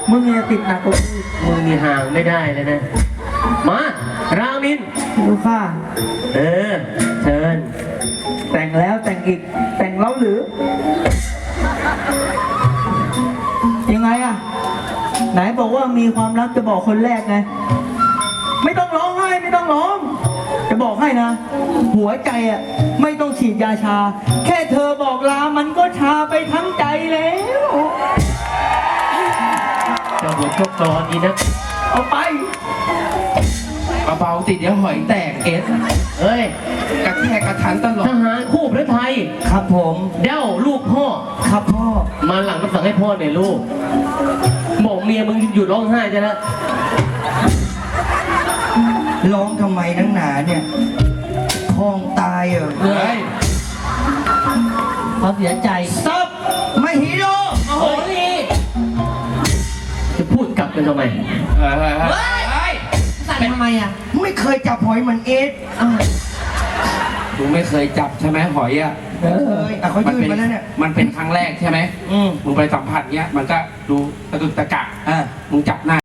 มึงอย่าติดหนักกว่ากูมึงมีห่างไม่ได้เลยนะ มารามินดูค่ะเออเชิญแต่งแล้วแต่งอีกแต่งแล้วหรือ ยังไงอะไหนบอกว่ามีความรักจะบอกคนแรกไง ไม่ต้องร้องไห้ไม่ต้องร้อง จะบอกให้นะ หัวใจอะไม่ต้องฉีดยาชา แค่เธอบอกลามันก็ชาไปทั้งใจแล้วเจ้าหัวชกตอนนี้นะเอาไปเบาๆติดเดี๋ยวหอยแตกเอสเฮ้ยกระแทกกระทันตลอทดหารคู่พระไทยครับผมเด้าลูกพ่อครับพ่อมาหลังก็สั่งให้พ่อหน่อยลูกบอกเมียมึงหยุดร้องไห้จะแล้วร้องทำไมนักหนาเนี่ยคลองตายเหรอเฮ้ยเขาเสียใจซับไม่ฮีโร่โอ้โหนี่จะพูดกลับกันทำไมเฮ้ยสั่นทำไมอ่ะ ไม่เคยจับหอยเหมือนเอสมึงไม่เคยจับใช่ไหมหอยอ่ะเอ้ยอ่ะเขายื่นมาแล้วเนี่ยมันเป็นครั้งแรกใช่ไหมอืมมึงไปสัมผัสเนี้ยมันก็ดูตะกึกตะกักอ่ะมึงจับหน้า